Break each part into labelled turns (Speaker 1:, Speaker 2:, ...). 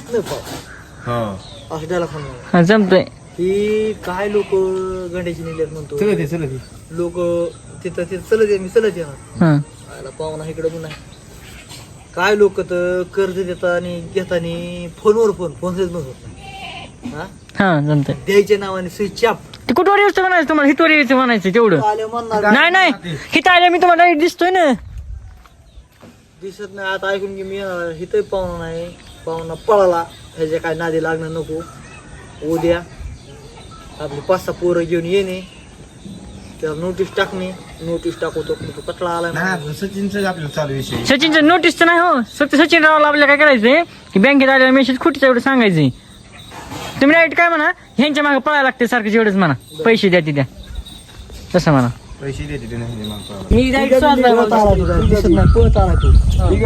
Speaker 1: असं त्याला फोन
Speaker 2: हा जमतंय.
Speaker 1: ही काय लोक गंड्याची निल्यात म्हणतो लोक तिथं चलत ये मी चलत येणार
Speaker 2: हा
Speaker 1: पाहुणा इकडे पण नाही. काय लोक तर कर्ज देतात आणि घेताना फोनवर फोन होत नाही.
Speaker 2: हा जमतंय.
Speaker 1: द्यायच्या नावाने स्विच ऑफ
Speaker 2: ते कुठवर यायचं म्हणायचं तुम्हाला, हितवर यायचं म्हणायचं तेवढं.
Speaker 1: आले म्हणणार
Speaker 2: नाही हिथं आल्या मी तुम्हाला दिसतोय ना.
Speaker 1: दिसत नाही. आता ऐकून की मी येणार हिथं पाहुणा नाही. पाहुणा पळाला ह्याच्या काय नादी लागणं नको. उद्या आपली 5-6 पोरं घेऊन येणे त्यावर नोटीस टाकणे. नोटीस टाकवतो तो कटळा आला.
Speaker 3: सचिनचं आपलं चालू विषय.
Speaker 2: सचिनचं नोटीस तर नाही हो. फक्त सचिन रावला आपल्याला काय करायचंय की बँकेत आलेला मेसेज खोटीचं एवढं सांगायचंय. तुम्ही राईट काय म्हणा, ह्यांच्या मागे पळायला लागते सारखं जेवढंच म्हणा. पैसे द्या तिथे तसं म्हणा.
Speaker 3: पैसे देते ते नाही
Speaker 2: मी राईट
Speaker 1: दिसत नाही पळत आला तू.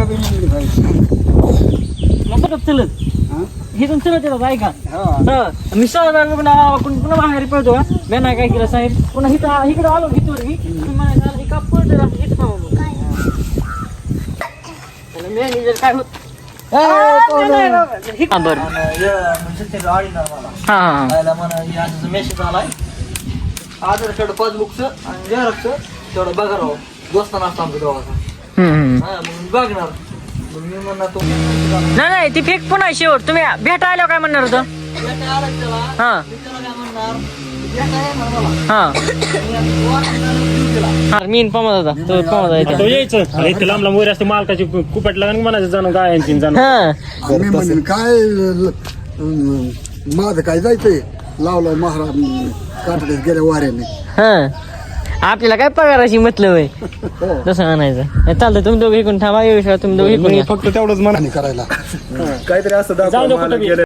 Speaker 2: चलत हे तुम चलत येतात ऐका. मी पुन्हा बाहेर पळतो का मी नाही काय केलं साहेब. पुन्हा इकडे आलो हितवर मी म्हणायचं का पळतो हेच मॅनेजर काय होत. बरं हा
Speaker 1: मेसेज आलाय आधार कार्ड पासबुकचं आणि झेरॉक्सचं तेवढं बघा राव. दोस्ताना असतो आमच्या दोघांचा. मग बघणार मग मी म्हणणार
Speaker 2: नाही ती फेक पण आहे शेवट. तुम्ही भेटा आल्यावर काय म्हणणार होतं. हा मी पमत होता तो पमत
Speaker 4: तो यायचं इतकं लांब लांब वगैरे असते मालकाची कुपट लागून म्हणायचं जाणं गायांची जाणं.
Speaker 5: मी म्हणेन काय माझं काय जायचंय लावलं महाराज काटड्यात गेल्या वाऱ्याने.
Speaker 2: हा आपल्याला काय पगाराची मतलब आहे तसं म्हणायचं. चालतं तुम्ही दोघे इकडून थांबा. तुम्ही दोघे इकडून
Speaker 3: फक्त तेवढंच मनाने
Speaker 5: करायला
Speaker 3: काहीतरी असं
Speaker 4: जाऊ दे कुठं बी.